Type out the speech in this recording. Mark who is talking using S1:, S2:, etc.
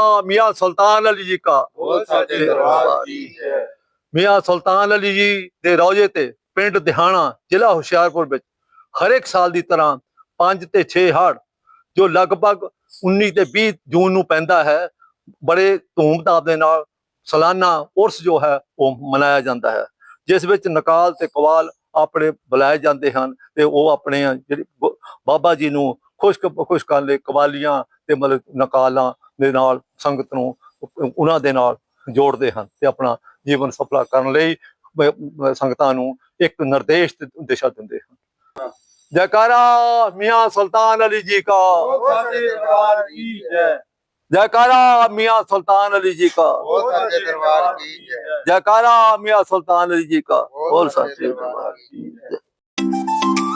S1: मियाँ सुल्तान अली जी का मियाँ सुल्तान अली जी ਦੇ ਰੌਜੇ ਤੇ ਪਿੰਡ ਦਿਹਾਣਾ ਜ਼ਿਲ੍ਹਾ ਹੁਸ਼ਿਆਰਪੁਰ ਵਿੱਚ ਹਰ ਇੱਕ ਸਾਲ ਦੀ ਤਰ੍ਹਾਂ 5 ਤੇ 6 ਹੜ ਜੋ ਲਗਭਗ 19 ਤੇ 20 ਜੂਨ ਨੂੰ ਪੈਂਦਾ ਹੈ ਬੜੇ ਧੂਮਧਾਮ ਦੇ ਨਾਲ ਸਾਲਾਨਾ ਉਰਸ ਜੋ ਹੈ ਉਹ ਮਨਾਇਆ ਜਾਂਦਾ ਹੈ ਜਿਸ ਵਿੱਚ ਨਕਾਲ ਤੇ ਕਵਾਲ ਆਪਣੇ ਬੁਲਾਏ ਜਾਂਦੇ ਹਨ ਤੇ ਉਹ ਆਪਣੇ ਜਿਹੜੀ ਬਾਬਾ ਜੀ ਨੂੰ ਖੁਸ਼ ਕਰਨ ਲਈ ਕਵਾਲੀਆਂ ਤੇ ਮਤਲਬ ਨਕਾਲਾਂ ਦੇ ਨਾਲ ਸੰਗਤ ਨੂੰ ਉਹਨਾਂ ਦੇ ਨਾਲ ਜੋੜਦੇ ਹਨ ਤੇ ਆਪਣਾ ਜੀਵਨ ਸਫਲਾ ਕਰਨ ਲਈ ਸੰਗਤਾਂ ਨੂੰ ਇੱਕ ਨਿਰਦੇਸ਼ ਤੇ ਦਿਸ਼ਾ ਦਿੰਦੇ ਹਨ। जयकारा मियाँ सुल्तान अली जी का जयकारा मियाँ सुल्तान अली जी का जयकारा मियाँ सुल्तान अली जी का और सच्चे दरबार की जय।